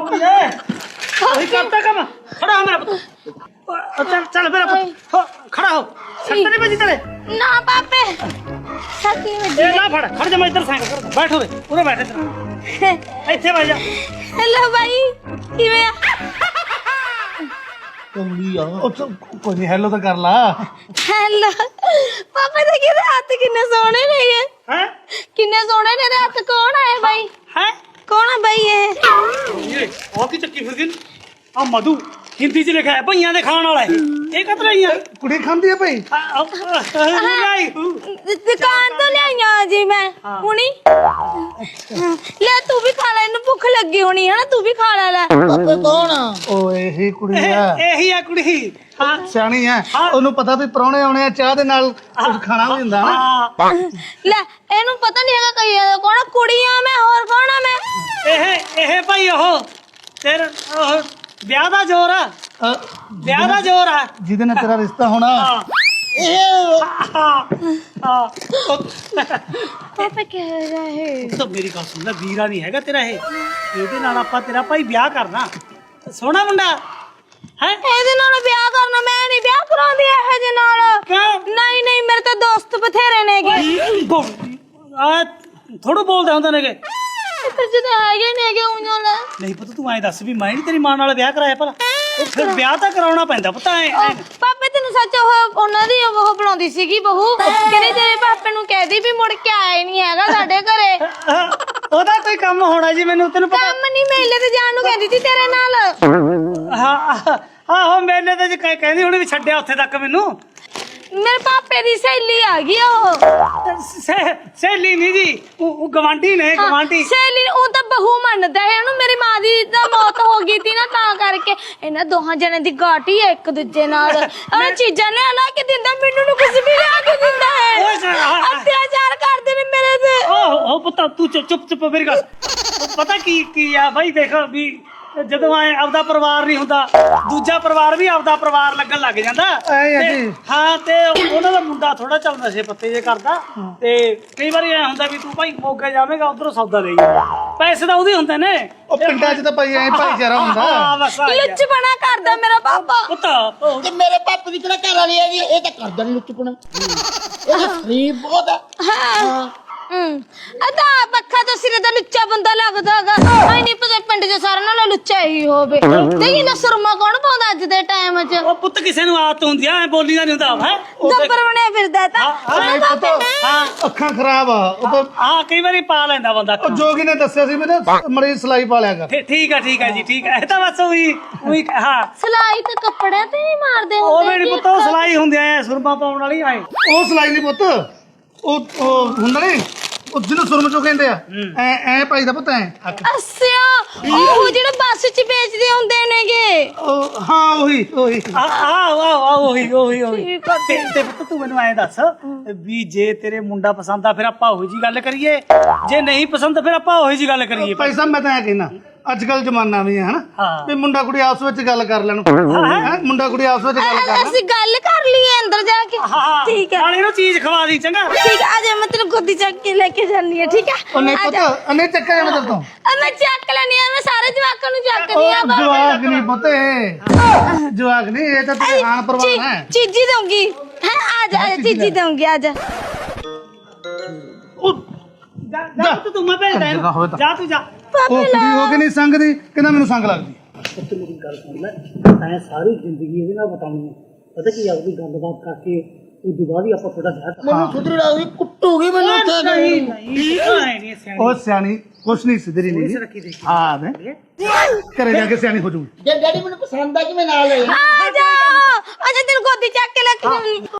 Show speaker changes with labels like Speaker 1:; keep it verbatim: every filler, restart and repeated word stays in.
Speaker 1: ये वही करता काम खड़ा हो मेरा पुत्र चल चल मेरा पुत्र खड़ा हो सट नहीं बजी तेरे
Speaker 2: ना पापे सट नहीं बजी
Speaker 1: ए ना फड़ खड़ जा मैं इधर साइड बैठो रे पूरे बैठे तेरा ਇੱਥੇ ਬਹਿ ਜਾ
Speaker 2: हेलो भाई किਵੇਂ ਆ
Speaker 3: ਕੰਮੀ ਆ ਕੋਈ ਨਹੀਂ ਹੈਲੋ ਤਾਂ ਕਰ ਲਾ
Speaker 2: हेलो पापा ਦੇ ਕਿਹਦੇ ਹੱਥ ਕਿੰਨੇ ਸੋਹਣੇ ਨੇ ਇਹ
Speaker 1: ਹੈ
Speaker 2: ਕਿੰਨੇ ਸੋਹਣੇ ਨੇ ਇਹਦੇ ਹੱਥ ਕੌਣ ਆਇਆ ਭਾਈ
Speaker 1: ਹੈ
Speaker 2: ਕੌਣ ਆ ਭਾਈ ਇਹ
Speaker 1: ये और की चक्की फिर दिन आ मधु हिंदी च लिखा है भैया दे खान वाला है ये कत रही है
Speaker 3: ਕੁੜੀ ਖਾਂਦੀ ਆ ਭਾਈ
Speaker 1: नहीं
Speaker 2: ਦੁਕਾਨ ਤੋਂ ਲਿਆਈਆਂ ਜੀ ਮੈਂ ਹੁਣੀ ਲੈ ਤੂੰ ਵੀ ਖਾ ਲੈ ਇਹਨੂੰ ਭੁੱਖ ਲੱਗੀ ਹੋਣੀ ਹੈ ਨਾ ਤੂੰ ਵੀ ਖਾ ਲੈ ਲੈ
Speaker 3: ਪਾਪੇ ਕੌਣ ਆ ਓਏ ਇਹੀ ਕੁੜੀ ਆ
Speaker 1: यही है कुड़ी हां
Speaker 3: ਸਿਆਣੀ ਆ ਉਹਨੂੰ ਪਤਾ ਵੀ ਪ੍ਰਾਹੁਣੇ ਆਉਣੇ ਆ ਚਾਹ ਦੇ ਨਾਲ ਕੁਝ ਖਾਣਾ ਵੀ ਹੁੰਦਾ ਨਾ
Speaker 1: हां
Speaker 2: ਲੈ ਇਹਨੂੰ ਪਤਾ ਨਹੀਂ ਹੈਗਾ ਕਈ ਇਹਦਾ ਕੌਣ ਆ, ਕੁੜੀ ਆ ਮੈਂ ਹੋਰ ਕੌਣ ਆ ਮੈਂ
Speaker 1: ਇਹ ਇਹ ਭਾਈ ਉਹ ਤੇਰਾ ਉਹ ਵਿਆਹ ਦਾ ਜ਼ੋਰ ਆ
Speaker 3: ਅ,
Speaker 1: ਵਿਆਹ ਦਾ ਜ਼ੋਰ ਆ
Speaker 3: ਜਿਹਦੇ ਨਾਲ ਤੇਰਾ ਰਿਸ਼ਤਾ ਹੋਣਾ
Speaker 1: ਇਹ ਹਾਂ
Speaker 2: ਪਾਪਾ ਕਹਿ ਰਿਹਾ ਹੈ
Speaker 1: ਤਾਂ ਮੇਰੀ ਗੱਲ ਸੁਣ ਲੈ ਵੀਰਾ ਨਹੀਂ ਹੈਗਾ ਤੇਰਾ ਇਹ ਇਹਦੇ ਨਾਲ ਆਪਾਂ ਤੇਰਾ ਭਾਈ ਵਿਆਹ ਕਰਨਾ ਸੋਹਣਾ ਮੁੰਡਾ ਹੈ
Speaker 2: ਇਹਦੇ ਨਾਲ ਵਿਆਹ ਕਰਨਾ ਮੈਂ ਨਹੀਂ ਵਿਆਹ ਕਰਾਉਂਦੀ ਇਹੋ ਜਿਹੇ ਨਾਲ
Speaker 1: ਕਿਉਂ
Speaker 2: ਨਹੀਂ ਨਹੀਂ ਮੇਰੇ ਤਾਂ ਦੋਸਤ ਬਥੇਰੇ ਨੇਗੇ
Speaker 1: ਆ ਥੋੜਾ ਬੋਲਦੇ ਹੁੰਦੇ ਨੇਗੇ
Speaker 2: ਪਰ ਜਦੋਂ ਹੈਗੇ ਨੇਗੇ ਉਹਨਾਂ ਨਾਲ
Speaker 1: ਨਹੀਂ ਪਤਾ ਤੂੰ ਐਂ ਦੱਸ ਵੀ ਮੈਂ ਨਹੀਂ ਤੇਰੀ ਮਾਂ ਨਾਲ ਵਿਆਹ ਕਰਾਇਆ ਭਲਾ ਉਹ ਫਿਰ ਵਿਆਹ ਤਾਂ ਕਰਾਉਣਾ ਪੈਂਦਾ ਪਤਾ ਐ
Speaker 2: ਪਾਪੇ ਤੈਨੂੰ ਸੱਚ ਉਹ ਉਹਨਾਂ ਦੀ ਉਹ ਬਣਾਉਂਦੀ ਸੀਗੀ ਬਹੂ ਕਹਿੰਦੇ ਤੇਰੇ ਪਾਪੇ ਨੂੰ ਕਹਿਦੀ ਵੀ ਮੁੜ ਕੇ ਆਇਆ ਹੀ ਨਹੀਂ ਹੈਗਾ ਸਾਡੇ ਘਰੇ
Speaker 1: ਉਹਦਾ ਕੋਈ ਕੰਮ ਹੋਣਾ ਜੀ ਮੈਨੂੰ ਤੈਨੂੰ ਪਤਾ
Speaker 2: ਕੰਮ ਨਹੀਂ ਮੇਲੇ ਤੇ ਜਾਣ ਨੂੰ ਕਹਿੰਦੀ ਸੀ ਤੇਰੇ ਨਾਲ
Speaker 1: ਹਾਂ ਆਹੋ ਮੇਲੇ ਤੇ ਜੇ ਕਹਿੰਦੀ ਹੁਣੀ ਵੀ ਛੱਡਿਆ ਉੱਥੇ ਤੱਕ ਮੈਨੂੰ
Speaker 2: ਮੇਰੇ ਪਾਪੇ ਦੀ ਸਹੇਲੀ ਆ ਗਈ ਉਹ
Speaker 1: ਸਹੇਲੀ ਨਹੀਂ ਜੀ ਉਹ ਗਵਾਂਢੀ ਨੇ ਗਵਾਂਢੀ
Speaker 2: ਸਹੇਲੀ ਉਹ ਤਾਂ ਬਹੂ ਮੰਨਦਾ ਹੈ ਉਹਨੂੰ ਮੇਰੀ ਮਾਂ ਦੀ ਤਾਂ ਮੌਤ ਹੋ ਗਈ ਸੀ ਨਾ ਤਾਂ ਕਰਕੇ ਇਹਨਾਂ ਦੋਹਾਂ ਜਣਿਆਂ ਦੀ ਗਾਟੀ ਹੈ ਇੱਕ ਦੂਜੇ ਨਾਲ ਉਹ ਚੀਜ਼ਾਂ ਲਿਆ ਲਾ ਕੇ ਦਿੰਦਾ ਮੈਨੂੰ ਨੂੰ ਕੁਝ ਵੀ ਲਿਆ ਕੇ ਦਿੰਦਾ ਹੈ ਅਤਿਆਚਾਰ ਕਰਦੇ ਨੇ ਮੇਰੇ ਤੇ
Speaker 1: ਓਹ ਉਹ ਪਤਾ ਤੂੰ ਚੁੱਪ ਚੁੱਪ ਮੇਰੀ ਗੱਲ ਪਤਾ ਕੀ ਕੀ ਆ ਬਾਈ ਦੇਖ ਵੀ ਜਦੋਂ ਐ ਆਪਦਾ ਪਰਿਵਾਰ ਨਹੀਂ ਹੁੰਦਾ ਦੂਜਾ ਪਰਿਵਾਰ ਵੀ ਆਪਦਾ ਪਰਿਵਾਰ ਲੱਗਣ ਲੱਗ ਜਾਂਦਾ ਹਾਂ ਤੇ ਉਹਨਾਂ ਦਾ ਮੁੰਡਾ ਥੋੜਾ ਚੱਲ ਨਸ਼ੇ ਪੱਤੇ ਜੇ ਕਰਦਾ ਤੇ ਕਈ ਵਾਰੀ ਐ ਹੁੰਦਾ ਵੀ ਤੂੰ ਭਾਈ ਮੋਗੇ ਜਾਵੇਂਗਾ ਉਧਰੋਂ ਸੌਦਾ ਲਈ ਪੈਸੇ ਤਾਂ ਉਹਦੇ ਹੁੰਦੇ ਨੇ
Speaker 3: ਉਹ ਪਿੰਡਾਂ 'ਚ ਤਾਂ ਭਾਈ ਐ ਭਾਈਚਾਰਾ ਹੁੰਦਾ
Speaker 2: ਲੁੱਚਪਣਾ ਕਰਦਾ ਮੇਰਾ ਪਾਪਾ
Speaker 1: ਪੁੱਤ
Speaker 4: ਤੇ ਮੇਰੇ ਪਾਪੇ ਦੀ ਕਿਹੜਾ ਘਰ ਵਾਲੀ ਹੈਗੀ ਇਹ ਤਾਂ ਕਰਦਾ ਨਹੀਂ ਲੁੱਚਪਣਾ ਇਹ ਤਾਂ ਗਰੀਬ ਬਹੁਤ ਆ
Speaker 2: ਹਾਂ ਹਮ ਅਦਾ ਪੱਖਾ ਤੋਂ ਸਿਰੇ ਦਾ ਲੁੱਚਾ ਬੰਦਾ ਲੱਗਦਾਗਾ ਆਈ ਨਹੀਂ ਪਤਾ ਪਿੰਡ 'ਚ ਸਾਰਿਆਂ ਨਾਲੋਂ ਲੁੱਚਾ ਹੀ ਹੋਵੇ ਦੇਖੀ ਨਾ ਸੁਰਮਾ ਕੌਣ ਪਾਉਂਦਾ ਅੱਜ ਦੇ ਟਾਈਮ 'ਚ
Speaker 1: ਉਹ ਪੁੱਤ ਕਿਸੇ ਨੂੰ ਆਦਤ ਹੁੰਦੀ ਆ ਐ ਬੋਲੀ ਦਾ ਨਹੀਂ ਹੁੰਦਾ ਹੈ
Speaker 2: ਗੱਬਰ ਬਣਿਆ ਫਿਰਦਾ ਤਾਂ
Speaker 1: ਹਾਂ
Speaker 3: ਅੱਖਾਂ ਖਰਾਬ ਆ ਉਹ ਤਾਂ
Speaker 1: ਹਾਂ ਕਈ ਵਾਰੀ ਪਾ ਲੈਂਦਾ ਬੰਦਾ
Speaker 3: ਉਹ ਜੋਗੀ ਨੇ ਦੱਸਿਆ ਸੀ ਮੈਨੂੰ ਮੜੀ ਸਲਾਈ ਪਾ ਲਿਆ ਕਰ
Speaker 1: ਠੀਕ ਆ ਠੀਕ ਆ ਜੀ ਠੀਕ ਆ ਇਹ ਤਾਂ ਬਸ ਉਹੀ ਉਹੀ ਹਾਂ
Speaker 2: ਸਲਾਈ ਤੇ ਕੱਪੜਿਆਂ ਤੇ ਨਹੀਂ ਮਾਰਦੇ
Speaker 1: ਉਹ
Speaker 2: ਹੁੰਦੇ
Speaker 1: ਮੇਰੀ ਪੁੱਤ ਸਲਾਈ ਹੁੰਦੀ ਐ ਸੁਰਮਾ ਪਾਉਣ ਵਾਲੀ ਆਏ
Speaker 3: ਉਹ ਸਲਾਈ ਨਹੀਂ ਪੁੱਤ ਉਹ ਉਹ ਹੁੰਦਾ ਨਹੀਂ ਉਹ ਜਿਹਨੂੰ ਸੁਰਮ ਚੋਂ ਕਹਿੰਦੇ ਆ ਐ ਐ ਭਾਈ ਦਾ ਪੁੱਤ ਐ
Speaker 2: ਅੱਛਾ ਉਹ ਜਿਹੜੇ ਬੱਸ 'ਚ ਵੇਚਦੇ ਹੁੰਦੇ ਨੇਗੇ
Speaker 3: ਉਹ ਹਾਂ ਉਹੀ ਉਹੀ
Speaker 1: ਆ ਆ ਆ ਉਹੀ ਉਹੀ ਉਹੀ ਤੇ ਤੇ ਪੁੱਤ ਤੂੰ ਮੈਨੂੰ ਐਂ ਦੱਸ ਵੀ ਜੇ ਤੇਰੇ ਮੁੰਡਾ ਪਸੰਦ ਆ ਫਿਰ ਆਪਾਂ ਉਹੀ ਜੀ ਗੱਲ ਕਰੀਏ ਜੇ ਨਹੀਂ ਪਸੰਦ ਫਿਰ ਆਪਾਂ ਉਹੀ ਜੀ ਗੱਲ ਕਰੀਏ
Speaker 3: ਭਾਈ ਸਾਹਿਬ ਮੈਂ ਤਾਂ ਇਹ ਕਹਿਣਾ ਅੱਜ ਕੱਲ ਜ਼ਮਾਨਾ ਵੀ ਹੈ ਹਨਾ ਵੀ ਮੁੰਡਾ ਕੁੜੀ ਆਪਸ ਵਿੱਚ ਗੱਲ ਕਰ ਲੈਣ ਹੈ ਮੁੰਡਾ ਕੁੜੀ ਆਪਸ ਵਿੱਚ ਗੱਲ ਕਰ ਲੈਣ
Speaker 2: ਅਸੀਂ ਗੱਲ ਕਰ ਲਈਏ ਅੰਦਰ ਜਾ ਕੇ ਠੀਕ ਹੈ
Speaker 1: ਨਾਲ ਇਹਨੂੰ ਚੀਜ਼ ਖਵਾ ਦੀ ਚੰਗਾ
Speaker 2: ਠੀਕ ਆ ਜਾ ਮੈਂ ਤੈਨੂੰ ਗੋਦੀ ਚੱਕ ਕੇ ਲੈ ਕੇ ਜਾਨੀ ਆ ਠੀਕ ਆ
Speaker 3: ਉਹਨੇ ਪੁੱਤ ਉਹਨੇ ਚੱਕਾ ਜਾਣਾ ਤੇਰੇ ਤੋਂ
Speaker 2: ਮੈਂ ਚੱਕ ਲੈਣੀ ਆ ਮੈਂ ਸਾਰੇ ਜਵਾਕਾਂ ਨੂੰ ਚੱਕਦੀ ਆ
Speaker 3: ਉਹ ਜਵਾਕ ਨਹੀਂ ਪੁੱਤ ਇਹ ਜਵਾਕ ਨਹੀਂ ਇਹ ਤਾਂ ਤੇਰੇ ਆਣ ਪਰਵਾਹ ਹੈ
Speaker 2: ਚੀਜ਼ੀ ਦਊਂਗੀ ਹੈ ਆ ਜਾ ਚੀਜ਼ੀ ਦਊਂਗੀ ਆ ਜਾ
Speaker 1: ਉਹ ਜਾ ਜਾ ਪੁੱਤ ਤੂੰ ਮੈਂ ਭੇਜਦਾ ਜਾ ਤੂੰ ਜਾ
Speaker 3: ਉਹ ਕੁੜੀ ਹੋ ਕੇ ਨਹੀਂ ਸੰਗਦੀ ਕਹਿੰਦਾ ਮੈਨੂੰ ਸੰਗ ਲੱਗਦੀ
Speaker 1: ਪੁੱਤ ਮੇਰੀ ਗੱਲ ਸੁਣ ਲੈ ਤੈਂ ਸਾਰੀ ਜ਼ਿੰਦਗੀ ਇਹਦੇ ਨਾਲ ਬਤਾਉਣੀ ਹੈ ਪਤਾ ਕੀ ਆਪਦੀ ਗੱਲਬਾਤ ਕਰਕੇ ਉਹ ਦੁਬਾਰੀ ਆਪਾਂ ਥੋੜਾ ਜਿਹਾ
Speaker 4: ਮੈਨੂੰ ਸੁਧਰ ਲਾਉਗੀ ਕੁੱਟੂਗੀ ਮੈਨੂੰ ਇੱਥੇ
Speaker 1: ਨਹੀਂ ਨਹੀਂ
Speaker 3: ਉਹ ਸਿਆਣੀ ਕੁਛ ਨਹੀਂ ਸਿੱਧਰੀ ਨਹੀਂ ਹਾਂ ਮੈਂ ਘਰੇ ਜਾ ਕੇ ਸਿਆਣੀ ਹੋ ਜੂਗੀ
Speaker 4: ਜੇ ਡੈਡੀ ਮੈਨੂੰ ਪਸੰਦ ਆ ਕਿ ਮੈਂ ਨਾਲ ਲੈ
Speaker 2: ਆ ਜਾ ਆ ਜਾ ਤੈਨੂੰ ਗੋਦੀ ਚੱਕ ਕੇ ਲੈ ਕੇ